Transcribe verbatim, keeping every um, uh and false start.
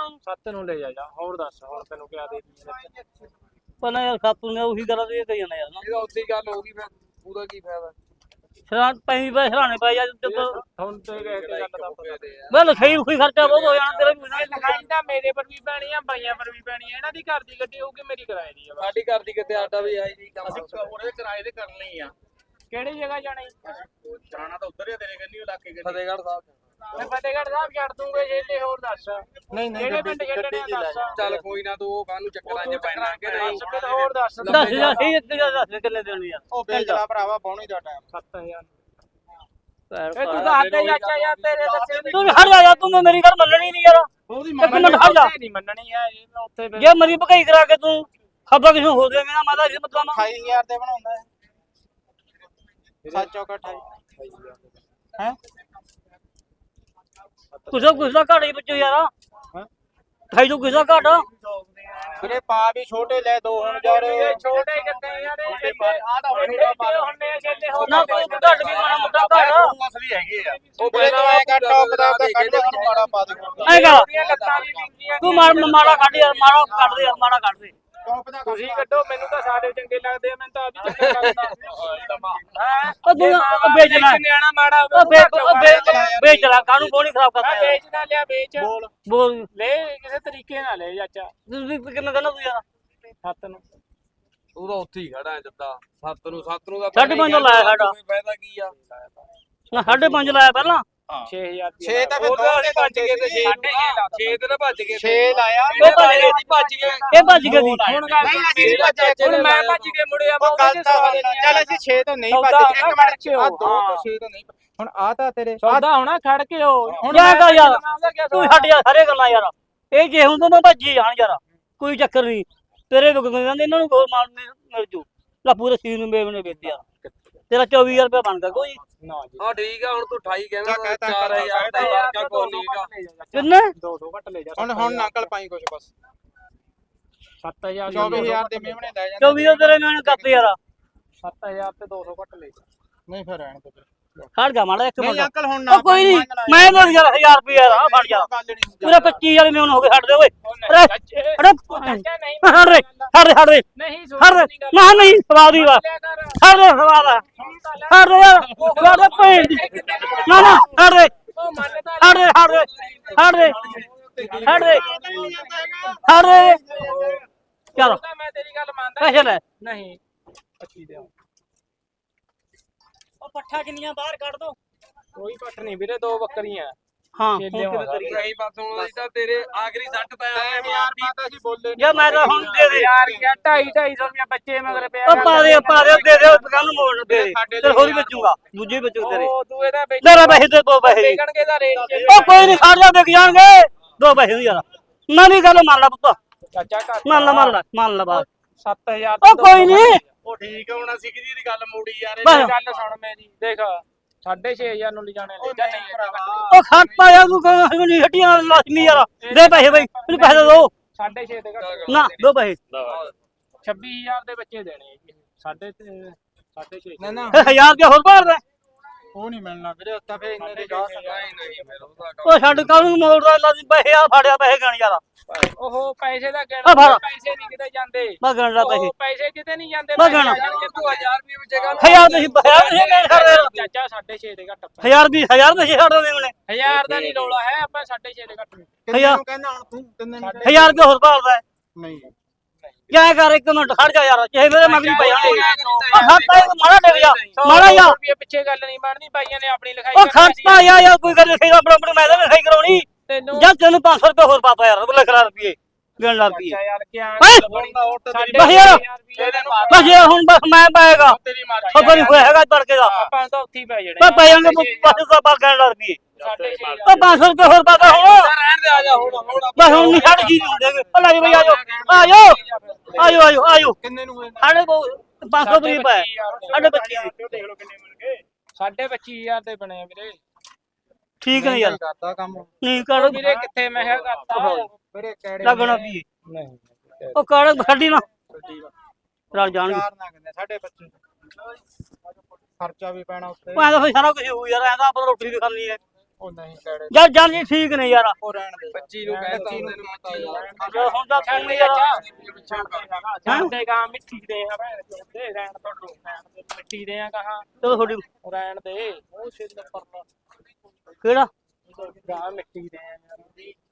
ਉਹਨਾਂ ਨੂੰ ਸੱਤ ਨੂੰ ਲੈ ਜਾ ਜਾ ਹੋਰ ਦੱਸ ਹੁਣ ਤੈਨੂੰ ਕਿਆ ਦੇ ਦੀ ਪਹਿਲਾਂ ਯਾਰ ਸੱਤ ਨੂੰ ਉਹੀ ਗੱਲ ਇਹ ਕਹੀ ਜਾਂਦਾ ਯਾਰ ਨਾ ਇਹਦਾ ਉੱਤੀ ਗੱਲ ਹੋ ਗਈ ਫਿਰ ਉਹਦਾ ਕੀ ਫਾਇਦਾ ਸਰਾਂ ਪੈਂਦੀ ਪੈ ਸਰਾਣੇ ਪੈ ਜਾ ਜਦੋਂ ਹੁਣ ਤੇ ਕਹਿ ਕੇ ਗੱਲ ਦਾ ਪਤਾ ਮੈਂ ਲਿਖਾਈ ਕੋਈ ਖਰਚਾ ਬਹੁਤ ਹੋ ਜਾਣਾ ਤੇਰਾ ਵੀ ਨਾ ਲਿਖਾਈ ਤਾਂ ਮੇਰੇ ਪਰ ਵੀ ਪੈਣੀ ਆ ਬਾਈਆਂ ਪਰ ਵੀ ਪੈਣੀ ਆ ਇਹਨਾਂ ਦੀ ਘਰ ਦੀ ਗੱਡੀ ਹੋਊਗੀ ਮੇਰੀ ਕਿਰਾਏ ਦੀ ਆ ਸਾਡੀ ਘਰ ਦੀ ਕਿਤੇ ਆਟਾ ਵੀ ਆਈ ਨਹੀਂ ਕੰਮ ਅਸੀਂ ਉਹਦੇ ਕਿਰਾਏ ਦੇ ਕਰਨੇ ਹੀ ਆ ਕਿਹੜੀ ਜਗ੍ਹਾ ਜਾਣਾ ਜਾਣਾ ਤਾਂ ਉੱਧਰ ਹੀ ਤੇਰੇ ਕੰਨੀ ਇਲਾਕੇ ਦੇ ਫਤਿਹਗੜ੍ਹ ਸਾਹਿਬ ਮੈਂ ਫਤਿਹਗੜ੍ਹ ਸਾਹਿਬ ਛੱਡ ਦੂੰਗਾ ਜੇ ਹੋਰ ਦੱਸ ਨਹੀਂ ਨਹੀਂ ਕਿਹੜੇ ਪਿੰਡ ਛੱਡਣੇ ਦੱਸ ਚੱਲ ਕੋਈ ਨਾ ਤੂੰ ਉਹ ਕਾਹਨੂੰ ਚੱਕਰਾਂ 'ਚ ਪੈਣਾ ਕਿ ਨਹੀਂ ਹੋਰ ਦੱਸ ਦੱਸ ਜਾ ਸਹੀ ਇੱਕ ਗੱਲ ਦੱਸ ਕਿੰਨੇ ਦੇਣੀ ਯਾਰ ਉਹ ਵੇਚ ਲਾ ਭਰਾਵਾ ਬੌਣੀ ਦਾ ਟਾਈਮ ਸੱਤ ਹਜ਼ਾਰ ਇਹ ਇਹ ਤੂੰ ਦੱਸ ਦੇ ਚਾਚਾ ਯਾਰ ਤੇਰੇ ਦੱਸੇ ਤੂੰ ਹਟ ਜਾ ਯਾਰ ਤੂੰ ਮੇਰੀ ਗੱਲ ਮੰਨਣੀ ਨਹੀਂ ਯਾਰ ਉਹਦੀ ਇੱਕ ਮਿੰਟ ਹਟ ਜਾ ਨਹੀਂ ਮੰਨਣੀ ਹੈ ਇਹ ਮੈਂ ਉੱਥੇ ਜੇ ਮਰੀ ਭਕਾਈ ਕਰਾ ਕੇ ਤੂੰ ਖਬਰ ਕਿਸੇ ਹੋ ਜਾਵੇ ਨਾ ਮਾਤਾ ਜੀ ਮਤਲਬ ਅਠਾਈ ਹਜ਼ਾਰ ਤੇ ਬਣਾਉਂਦਾ ਹੈ ਸੱਤ ਚੌਕਾ ਅਠਾਈ ਹੈ ਕੁਛ ਕੁਛ ਦਾ ਘਾਟ ਹੀ ਬੱਚੋ ਯਾਰ ਢਾਈ ਤੋਂ ਕੁਛ ਦਾ ਘਾਟ ਵੀਰੇ ਪਾ ਵੀ ਛੋਟੇ ਲੈ ਦੋ ਹੁਣ ਯਾਰ ਛੋਟੇ ਕਿੱਥੇ ਯਾਰ ਆ ਤਾਂ ਹੁਣ ਹੁੰਨੇ ਛੇਲੇ ਹੋ ਨਾ ਕੋਈ ਘਾਟ ਵੀ ਮਾੜਾ ਮੋਟਾ ਘਾਟ ਅਸਲੀ ਹੈਗੇ ਆ ਉਹ ਪਹਿਲਾਂ ਐ ਕੱਟ ਟੌਪ ਦਾ ਤਾਂ ਕੱਢ ਹੁਣ ਮਾੜਾ ਪਾ ਦੇ ਐ ਕਰ ਲੱਤਾਂ ਵੀ ਵਿੰਗੀਆਂ ਤੂੰ ਮਾਰ ਮਾੜਾ ਕੱਢ ਯਾਰ ਮਾੜਾ ਕੱਢ ਦੇ ਯਾਰ ਮਾੜਾ ਕੱਢ ਦੇ ਤੁਸੀਂ ਕੱਢੋ ਮੈਨੂੰ ਤਾਂ ਸਾਰੇ ਚੰਗੇ ਲੱਗਦੇ ਆ ਮੈਨੂੰ ਤਾਂ ਆਪ ਹੀ ਚੰਗਾ ਲੱਗਦਾ ਹੈ ਉਹ ਤੂੰ ਉਹ ਵੇਚਣਾ ਨਿਆਣਾ ਮਾੜਾ ਉਹ ਵੇਚ ਉਹ ਵੇਚ ਵੇਚਣਾ ਕਾਹਨੂੰ ਕੋਣੀ ਖਰਾਬ ਕਰਦਾ ਯਾਰ ਵੇਚ ਨਾ ਲਿਆ ਵੇਚ ਬੋਲ ਬੋਲ ਲੈ ਕਿਸੇ ਤਰੀਕੇ ਨਾਲ ਲੈ ਚਾਚਾ ਤੁਸੀਂ ਕਿੰਨਾ ਕਹਿੰਦਾ ਤੂੰ ਯਾਰ ਸੱਤ ਨੂੰ ਉਹ ਤਾਂ ਉੱਥੇ ਹੀ ਖੜਾ ਜੱਦਾ ਸੱਤ ਨੂੰ ਸੱਤ ਨੂੰ ਦਾ ਸਾਢੇ ਪੰਜ ਲਾਇਆ ਸਾਡਾ ਫਾਇਦਾ ਕੀ ਆ ਨਾ ਸਾਢੇ ਪੰਜ ਲਾਇਆ ਪਹਿਲਾਂ ਛੇ ਹਜ਼ਾਰ ਛੇ ਤਾਂ ਫਿਰ ਦੋ ਦੇ ਭੱਜ ਗਏ ਤੇ ਛੇ ਛੇ ਤੇ ਨਾ ਭੱਜ ਗਏ ਛੇ ਲਾਇਆ ਉਹ ਭੱਜ ਗਏ ਭੱਜ ਗਏ ਇਹ ਭੱਜ ਗਏ ਦੀ ਹੁਣ ਗੱਲ ਮੇਰੀ ਭੱਜ ਹੁਣ ਮੈਂ ਭੱਜ ਕੇ ਮੁੜਿਆ ਮੈਂ ਉਹਦੇ ਸਵਾਲ ਨਹੀਂ ਚੱਲ ਅਸੀਂ ਛੇ ਤੋਂ ਨਹੀਂ ਭੱਜ ਇੱਕ ਮਿੰਟ ਆ ਦੋ ਤੋਂ ਛੇ ਤੋਂ ਨਹੀਂ ਹੁਣ ਆ ਤਾਂ ਤੇਰੇ ਸੌਦਾ ਹੋਣਾ ਖੜ ਕੇ ਹੋ ਹੁਣ ਯਾਰ ਕਰ ਯਾਰ ਤੂੰ ਛੱਡ ਯਾਰ ਸਾਰੇ ਗੱਲਾਂ ਯਾਰ ਇਹ ਜੇ ਹੁੰਦਾ ਮੈਂ ਭੱਜੀ ਜਾਣ ਯਾਰ ਕੋਈ ਚੱਕਰ ਨਹੀਂ ਤੇਰੇ ਵਿਕ ਜਾਂਦੇ ਇਹਨਾਂ ਨੂੰ ਬਹੁਤ ਮਾਲ ਮਿਲ ਜੂ ਲਾ ਪੂਰੇ ਸੀਨ ਨੂੰ ਮੇਵਨੇ ਵੇਚ ਯਾਰ ਤੇਰਾ ਚੌਵੀ ਹਜ਼ਾਰ ਰੁਪਏ ਬਣਦਾ ਕੋਈ ਨਾ ਜੀ ਹਾਂ ਠੀਕ ਆ ਹੁਣ ਤੂੰ ਅਠਾਈ ਕਹਿੰਦਾ ਚਾਰ ਹਜ਼ਾਰ ਦਾ ਵਰਕਾ ਕੋ ਨਹੀਂਗਾ ਕਿੰਨੇ ਦੋ ਦੋ ਘੱਟ ਲੈ ਜਾ ਹੁਣ ਹੁਣ ਨਕਲ ਪਾਈ ਕੁਛ ਬਸ ਸੱਤ ਹਜ਼ਾਰ ਚੌਵੀ ਹਜ਼ਾਰ ਦੇ ਮੇਵਣੇ ਲੈ ਜਾਂਦੇ ਚੌਵੀ ਹਜ਼ਾਰ ਤੇਰੇ ਮੈਂ ਕੱਪ ਯਾਰ ਸੱਤ ਹਜ਼ਾਰ ਤੇ ਦੋ ਸੌ ਘੱਟ ਲੈ ਜਾ ਨਹੀਂ ਫਿਰ ਰਹਿਣ ਦੇ ਖੜ ਜਾ ਮਾੜਾ ਇੱਕ ਮਿੰਟ ਨਹੀਂ ਅੰਕਲ ਹੁਣ ਨਾ ਉਹ ਕੋਈ ਨਹੀਂ ਮੈਂ ਤਾਂ ਯਾਰ ਹਜ਼ਾਰ ਰੁਪਏ ਯਾਰ ਆ ਫੜ ਜਾ ਪੂਰਾ ਪੱਚੀ ਵਾਲੇ ਮੇਵਨ ਹੋ ਗਏ ਛੱਡ ਦੇ ਓਏ ਅਰੇ ਅਰੇ ਚਾਚਾ ਨਹੀਂ ਹਟ ਦੇ ਹਟ ਦੇ ਹਟ ਦੇ ਨਹੀਂ ਹਟ ਦੇ ਨਾ ਨਹੀਂ ਸਵਾਦ ਹੀ ਵਾ ਹਟ ਦੇ ਸਵਾਦ ਆ ਹਟ ਦੇ ਯਾਰ ਹਟ ਦੇ ਭੈਣ ਦੀ ਨਾ ਨਾ ਹਟ ਦੇ ਉਹ ਮੰਨਦਾ ਹਟ ਦੇ ਹਟ ਦੇ ਹਟ ਦੇ ਹਟ ਦੇ ਹਟ ਦੇ ਚਲੋ ਤਾਂ ਮੈਂ ਤੇਰੀ ਗੱਲ ਮੰਨਦਾ ਪੈਸੇ ਲੈ ਨਹੀਂ ਪੱਚੀ ਦੇ ਉਹ ਪੱਠਾ ਕਿੰਨੀਆਂ ਬਾਹਰ ਕੱਢ ਦੋ ਕੋਈ ਪੱਟ ਨਹੀਂ ਵੀਰੇ ਦੋ ਬੱਕਰੀਆਂ ਹਾਂ ਛੇਲੇ ਹੁਣ ਕਿਵੇਂ ਕਰੀਏ ਨਹੀਂ ਬਸ ਹੁਣ ਅਸੀਂ ਤਾਂ ਤੇਰੇ ਆਖਰੀ ਸੱਟ ਪੈ ਆਏ ਯਾਰ ਮਾਤਾ ਜੀ ਬੋਲੇ ਯਾ ਮੈਂ ਤਾਂ ਹੁਣ ਦੇ ਦੇ ਯਾਰ ਯਾਰ ਢਾਈ ਢਾਈ ਸੌ ਰੁਪਇਆ ਬੱਚੇ ਮਗਰ ਪਿਆ ਉਹ ਪਾ ਦੇ ਪਾ ਦੇ ਦੇ ਦੇ ਦੁਕਾਨ ਨੂੰ ਮੋੜ ਦੇ ਦੇ ਤੇ ਹੋਰ ਹੀ ਬਚੂਗਾ ਦੂਜੇ ਬਚੂ ਤੇਰੇ ਉਹ ਤੂੰ ਇਹਦਾ ਵੇਚ ਤੇਰਾ ਪੈਸੇ ਦੇ ਦੋ ਪੈਸੇ ਵੇਚਣਗੇ ਦਾ ਰੇਟ ਉਹ ਕੋਈ ਨਹੀਂ ਖੜ ਜਾ ਵਿਕ ਜਾਣਗੇ ਦੋ ਪੈਸੇ ਨੂੰ ਯਾਰ ਮੈਂ ਨਹੀਂ ਗੱਲ ਮੰਨ ਲਾ ਪੁੱਤ ਚਾਚਾ ਘੱਟ ਮੰਨ ਲਾ ਮੰਨ ਲਾ ਮੰਨ ਲਾ ਬਾਤ ਸੱਤ ਹਜ਼ਾਰ ਉਹ ਕੋਈ ਨਹੀਂ ਉਹ ਠੀਕ ਆ ਹੁਣ ਅਸੀਂ ਕਿਹਦੀ ਦੀ ਗੱਲ ਮੋੜੀ ਯਾਰ ਬਸ ਗੱਲ ਸੁਣ ਮੇਰੀ ਦੇਖ ਸਾਢੇ ਛੇ ਹਜ਼ਾਰ ਨੂੰ ਲਿਜਾਣੇ ਲੈ ਜਾ ਨਹੀਂ ਉਹ ਖੜਤਾ ਯਾਰ ਤੂੰ ਕਹਿੰਦਾ ਨਹੀਂ ਹੱਟੀਆਂ ਲਾਜ਼ਮੀ ਯਾਰ ਦੇ ਪੈਸੇ ਬਈ ਮੈਨੂੰ ਪੈਸੇ ਦੇ ਦੋ ਸਾਢੇ ਛੇ ਦੇ ਘੱਟ ਨਾ ਦੋ ਪੈਸੇ ਛੱਬੀ ਹਜ਼ਾਰ ਦੇ ਬੱਚੇ ਦੇਣੇ ਸਾਢੇ ਤੇ ਸਾਢੇ ਛੇ ਨਾ ਨਾ ਫਿਰ ਹਜ਼ਾਰ ਰੁਪਇਆ ਹੋਰ ਭਰਦਾ ਉਹ ਨਹੀਂ ਮਿਲਣਾ ਵੀਰੇ ਉੱਤਾ ਫੇ ਇੰਨੇ ਦੇ ਜਾ ਨਹੀਂ ਨਹੀਂ ਫਿਰ ਉਹਦਾ ਉਹ ਛੱਡ ਕਾਹਨੂੰ ਮੋੜਦਾ ਲਾਜ਼ਮੀ ਪੈਸੇ ਆ ਫੜਿਆ ਪੈਸੇ ਗਣ ਯਾਰ ਉਹ ਪੈਸੇ ਦਾ ਆ ਕਹਿਣਾ ਫੜ। ਪੈਸੇ ਨਹੀਂ ਕਿਤੇ ਜਾਂਦੇ ਮੈਂ ਗਣ ਲਾ ਪੈਸੇ ਉਹ ਪੈਸੇ ਕਿਤੇ ਨਹੀਂ ਜਾਂਦੇ ਮੈਂ ਗਣਾ। ਤੂੰ ਹਜ਼ਾਰ ਰੁਪਏ ਵਿੱਚ ਗੱਲ ਹਜ਼ਾਰ ਤੁਸੀਂ ਹਜ਼ਾਰ ਤੁਸੀਂ ਮੈਂ ਛੱਡ ਦੇ ਚਾਚਾ ਸਾਢੇ ਛੇ ਦੇ ਘੱਟ ਆਪਾਂ। ਹਜ਼ਾਰ ਵੀ ਹਜ਼ਾਰ ਤੁਸੀਂ ਛੱਡ ਦੇ ਉਹਨੇ ਹਜ਼ਾਰ ਦਾ ਨਹੀਂ ਰੌਲਾ ਹੈ ਆਪਾਂ ਸਾਢੇ ਛੇ ਦੇ ਘੱਟ ਨਹੀਂ। ਕਿੰਨੇ ਨੂੰ ਕਹਿੰਦਾ ਹੁਣ ਤੂੰ ਕਿੰਨੇ ਨੂੰ ਹਜ਼ਾਰ ਰੁਪਇਆ ਹੋਰ ਭਰਦਾ ਨਹੀਂ ਕਿਆ ਕਰ ਇੱਕ ਮਿੰਟ ਖੜ ਜਾ ਯਾਰ ਚਾਹੇ ਮੇਰੇ ਮਗਰੀ ਪੈ ਜਾਣਗੇ ਉਹ ਖੜਤਾ ਇਹ ਮਾੜਾ ਡਿੱਗ ਜਾ ਮਾੜਾ ਜਾ ਰੁਪਏ ਪਿੱਛੇ ਗੱਲ ਨਹੀਂ ਬਣਨੀ ਭਾਈਆਂ ਨੇ ਆਪਣੀ ਲਿਖਾਈ ਉਹ ਖੜਤਾ ਯਾ ਯਾਰ ਕੋਈ ਗੱਲ ਨਹੀਂ ਆਪਣਾ ਆਪਣਾ ਮੈਂ ਤਾਂ ਲਿਖਾਈ ਕਰਾਉਣੀ ਤੈਨੂੰ ਜਾਂ ਤੈਨੂੰ ਪੰਜ ਸੌ ਰੁਪਏ ਹੋਰ ਪਾਤਾ ਯਾਰ ਉਹ ਲਿਖ ਲਾ ਰੁਪਏ ਗਿਣ ਲਾ ਰੁਪਏ ਯਾਰ ਕੀ ਹੈਂ? ਬਸ ਯਾਰ ਬਸ ਇਹ ਹੁਣ ਬਸ ਮੈਂ ਪਾਏਗਾ ਤੇਰੀ ਮਾਰ ਖਬਰ ਨਹੀਂ ਹੋਇਆ ਹੈਗਾ ਤੜਕੇ ਦਾ ਆਪਾਂ ਤਾਂ ਉੱਥੇ ਹੀ ਪੈ ਜਾਣੇ ਮੈਂ ਪੈ ਜਾਣਗੇ ਬਸ ਸੌ ਪਾ ਗਿਣ ਲਾ ਰੁਪਏ ਸਾਢੇ ਛੇ ਉਹ ਪੰਜ ਸੌ ਰੁਪਏ ਹੋਰ ਪਾਤਾ ਹੁਣ ਰਹਿਣ ਦੇ ਆ ਜਾ ਹੁਣ ਹੁਣ ਬਸ ਹੁਣ ਨਹੀਂ ਛੱਡ ਜੀ ਨਹੀਂ ਦੇਗੇ ਉਹ ਲੈ ਬਈ ਆਜੋ ਆਜੋ ਆਜੋ ਆਜੋ ਆਜੋ ਕਿੰਨੇ ਨੂੰ ਹੋਏ ਸਾਡੇ ਕੋਲ ਪੰਜ ਸੌ ਰੁਪਏ ਪਾਏ ਸਾਡੇ ਬੱਚੀ ਦੇ ਦੇਖ ਲਓ ਕਿੰਨੇ ਮਿਲ ਗਏ ਸਾਢੇ ਪੱਚੀ ਹਜ਼ਾਰ ਦੇ ਬਣੇ ਆ ਵੀਰੇ ਠੀਕ ਨਹੀਂ ਯਾਰ ਕਰਦਾ ਕੰਮ ਨਹੀਂ ਕਰ ਵੀਰੇ ਕਿੱਥੇ ਮੈਂ ਕਿਹਾ ਕਰਤਾ ਵੀਰੇ ਕਿਹੜੇ ਲੱਗਣਾ ਪੀਏ ਨਹੀਂ ਉਹ ਕਾੜ ਛੱਡੀ ਨਾ ਰਲ ਜਾਣਗੇ ਚਾਰ ਨਾ ਕਹਿੰਦੇ ਸਾਡੇ ਬੱਚੇ ਖਰਚਾ ਵੀ ਪੈਣਾ ਉੱਤੇ ਮੈਂ ਤਾਂ ਫਿਰ ਸਾਰਾ ਕੁਝ ਹੋਊ ਯਾਰ ਐਂ ਤਾਂ ਆਪਾਂ ਰੋਟੀ ਵੀ ਖਾਣੀ ਹੈ ਉਹ ਨਹੀਂ ਕਿਹੜੇ ਯਾਰ ਜਾਨ ਜੀ ਠੀਕ ਨੇ ਯਾਰ ਉਹ ਰਹਿਣ ਦੇ ਪੱਚੀ ਨੂੰ ਕਹਿ ਤਾ ਉਹਦੇ ਨੂੰ ਪੱਚੀ ਨੂੰ ਯਾਰ ਹੁਣ ਤਾਂ ਤੂੰ ਵੀ ਯਾਰ ਛੱਡੇਗਾ ਮਿੱਟੀ ਦੇ ਆ ਭੈਣ ਚੋਦੇ ਰਹਿਣ ਤੋਂ ਰਹਿਣ ਦੇ ਮਿੱਟੀ ਦੇ ਆ ਕਹਾ ਚਲੋ ਤੁਹਾਡੀ ਰਹਿਣ ਦੇ ਉਹ ਸਿੱਧ ਪਰਨਾ ਕਿਹੜਾ ਗਾ ਮਿੱਟੀ ਦੇ ਆ ਯਾਰ